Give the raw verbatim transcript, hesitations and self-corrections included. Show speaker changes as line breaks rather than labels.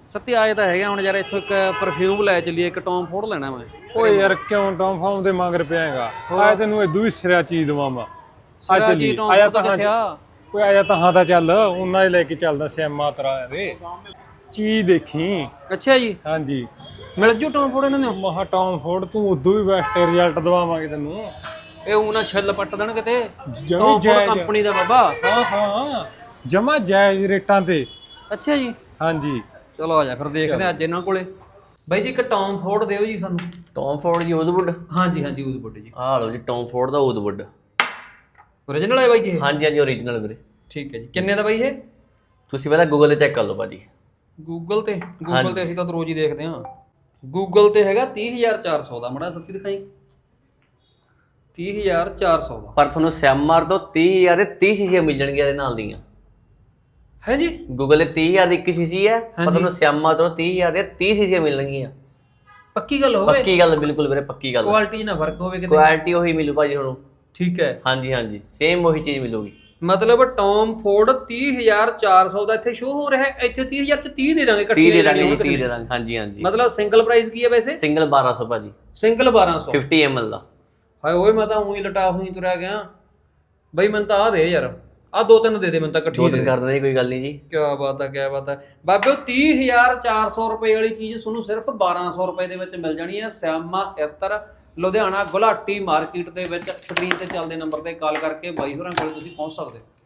ਸੱਤੀ ਆਏ ਤਾਂ ਹੈਗਾ ਹੁਣ ਯਾਰ ਇੱਥੋਂ ਇੱਕ ਪਰਫਿਊਮ ਲੈ ਚੱਲੀਏ, ਇੱਕ ਟੌਮ ਫੋਰਡ ਲੈਣਾ ਮੈਂ।
ਓਏ ਯਾਰ ਕਿਉਂ ਟੌਮ ਫਾਰਮ ਦੇ ਮਗਰ ਪਿਆਗਾ? ਆਇਆ ਤੈਨੂੰ ਇਦੋਂ ਵੀ ਸਿਰਾ ਚੀਜ਼ ਦਵਾਂ ਮੈਂ। ਆ ਚੱਲੀ ਆਇਆ ਤਾਂ ਹਾਂ ਕੋਈ ਆਇਆ ਤਾਂ ਹਾਂ ਤਾਂ ਚੱਲ ਉਹਨਾਂ ਹੀ ਲੈ ਕੇ ਚੱਲਦਾ ਸਿਆਮਾ ਤਰਾ ਦੇ ਚੀਜ਼ ਦੇਖੀ।
ਅੱਛਾ ਜੀ,
ਹਾਂਜੀ
ਮਿਲ ਜੂ ਟੌਮ ਫੋਰਡ ਇਹਨਾਂ ਨੂੰ?
ਮਹਾ ਟੌਮ ਫੋਰਡ ਤੂੰ ਉਦੋਂ ਵੀ ਬੈਸਟ ਰਿਜ਼ਲਟ ਦਵਾਵਾਂਗੇ ਤੈਨੂੰ।
ਇਹ ਉਹਨਾਂ ਛਿੱਲ ਪੱਟ ਦੇਣ ਕਿਤੇ।
ਜਮੀ
ਟੌਮ ਫੋਰਡ
ਜਾਇਜ਼
ਕੰਪਨੀ ਦਾ ਬਾਬਾ।
ਹਾਂ ਹਾਂ ਜਮਾ ਜਾਇਜ਼ ਰੇਟਾਂ ਤੇ।
ਅੱਛਾ ਜੀ,
ਹਾਂਜੀ
ਚਲੋ ਆ ਜਾ ਫਿਰ ਦੇਖਦੇ ਆ ਅੱਜ ਇਹਨਾਂ ਕੋਲੇ। ਬਾਈ ਜੀ ਇੱਕ ਟੌਮ ਫੋਰਡ ਦਿਓ ਜੀ ਸਾਨੂੰ।
ਟੌਮ ਫੋਰਡ ਜੀ ਊਦਵੁੱਡ?
ਹਾਂਜੀ ਹਾਂਜੀ ਊਦਵੁੱਡ ਜੀ।
ਆਹ ਲਓ ਜੀ ਟੌਮ ਫੋਰਡ ਦਾ ਊਦਵੁੱਡ।
ਓਰੀਜਨਲ ਹੈ ਬਾਈ ਜੀ ਇਹ?
ਹਾਂਜੀ ਹਾਂਜੀ ਓਰੀਜਨਲ ਵੀਰੇ।
ਠੀਕ ਹੈ ਜੀ, ਕਿੰਨੇ ਦਾ ਬਾਈ ਇਹ?
ਤੁਸੀਂ ਪਹਿਲਾਂ ਗੂਗਲ ਤੇ ਚੈੱਕ ਕਰ ਲਓ ਭਾਜੀ।
ਗੂਗਲ ਤੇ? ਗੂਗਲ ਤੇ ਅਸੀਂ ਤਾਂ ਰੋਜ਼ ਹੀ ਦੇਖਦੇ ਹਾਂ। ਗੂਗਲ ਤੇ ਹੈਗਾ ਤੀਹ ਹਜ਼ਾਰ ਚਾਰ ਸੌ ਦਾ। ਮੜਾ ਸੱਤੀ ਦਿਖਾਈ। ਤੀਹ ਹਜ਼ਾਰ ਚਾਰ ਸੌ ਦਾ।
ਪਰ ਤੁਹਾਨੂੰ ਸਿਆਮਾਰ ਤੋਂ ਤੀਹ ਹਜ਼ਾਰ ਦੇ ਤੀਹ ਸੀਸੀਆਂ ਮਿਲ ਜਾਣਗੀਆਂ ਇਹਦੇ ਨਾਲ ਦੀਆਂ।
ਹੈ ਜੀ?
ਗੂਗਲ ਦੇ ਤੀਹ ਹਜ਼ਾਰ ਦੀ ਇੱਕ ਸੀਸੀ ਹੈ, ਪਰ ਤੁਹਾਨੂੰ ਸਿਆਮਾਰ ਤੋਂ ਤੀਹ ਹਜ਼ਾਰ ਦੇ ਤੀਹ ਸੀਸੀਆਂ ਮਿਲਣਗੀਆਂ।
ਪੱਕੀ ਗੱਲ ਹੋਵੇ?
ਪੱਕੀ ਗੱਲ, ਬਿਲਕੁਲ ਵੀਰੇ ਪੱਕੀ ਗੱਲ।
ਕੁਆਲਿਟੀ ਨਾ ਫਰਕ ਹੋਵੇ ਕਿਤੇ?
ਕੁਆਲਿਟੀ ਉਹੀ ਮਿਲੂ ਭਾਜੀ ਤੁਹਾਨੂੰ।
ਠੀਕ ਹੈ।
ਹਾਂਜੀ ਹਾਂਜੀ ਸੇਮ ਉਹੀ ਚੀਜ਼ ਮਿਲੂਗੀ।
ਮਤਲਬ ਟੌਮ ਫੋਰਡ ਤੀਹ ਹਜ਼ਾਰ ਚਾਰ ਸੌ ਦਾ ਇੱਥੇ ਸ਼ੋ ਹੋ ਰਿਹਾ ਹੈ, ਇੱਥੇ ਤੀਹ ਹਜ਼ਾਰ ਚ ਤੀਹ ਦੇ ਦਾਂਗੇ ਇਕੱਠੇ।
ਤੀਹ ਦੇ ਦਾਂਗੇ ਜੀ, ਤੀਹ ਦੇ ਦਾਂਗੇ। ਹਾਂਜੀ ਹਾਂਜੀ।
ਮਤਲਬ ਸਿੰਗਲ ਪ੍ਰਾਈਸ ਕੀ ਹੈ ਵੈਸੇ?
ਸਿੰਗਲ ਬਾਰਾਂ ਸੌ ਭਾਜੀ।
ਸਿੰਗਲ ਬਾਰਾਂ ਸੌ
ਫਿਫਟੀ ਐਮ ਐਲ ਦਾ।
ਹਾਏ ਓਏ ਮੈਂ ਤਾਂ ਉਹੀ ਲਟਾ ਹੋਈ ਤੁਰਿਆ ਗਿਆ ਬਈ। ਮੈਨੂੰ ਤਾਂ ਆ ਦੇ ਯਾਰ, ਆ ਦੋ ਤਿੰਨ ਦੇ ਦੇ ਮੈਨੂੰ ਤਾਂ ਇਕੱਠੀ।
ਦੋ ਤਿੰਨ ਕਰ ਦਿੰਦੇ ਕੋਈ ਗੱਲ ਨਹੀਂ ਜੀ।
ਕਿਆ ਬਾਤ ਹੈ, ਕਿਆ ਬਾਤ ਹੈ ਬਾਬੇ। ਤੀਹ ਹਜ਼ਾਰ ਚਾਰ ਸੌ ਰੁਪਏ ਵਾਲੀ ਚੀਜ਼ ਤੁਹਾਨੂੰ ਸਿਰਫ ਬਾਰਾਂ ਸੌ ਰੁਪਏ ਦੇ ਵਿੱਚ ਮਿਲ ਜਾਣੀ ਹੈ। ਸਿਆਮਾ ਇਤਰ, ਲੁਧਿਆਣਾ ਗੁਲਾਟੀ ਮਾਰਕੀਟ ਦੇ ਵਿੱਚ। ਸਕਰੀਨ ਤੇ ਚੱਲਦੇ ਨੰਬਰ ਤੇ ਕਾਲ ਕਰਕੇ ਬਾਈ ਹੋਰਾਂ ਕੋਲ ਤੁਸੀਂ ਪਹੁੰਚ ਸਕਦੇ ਹੋ।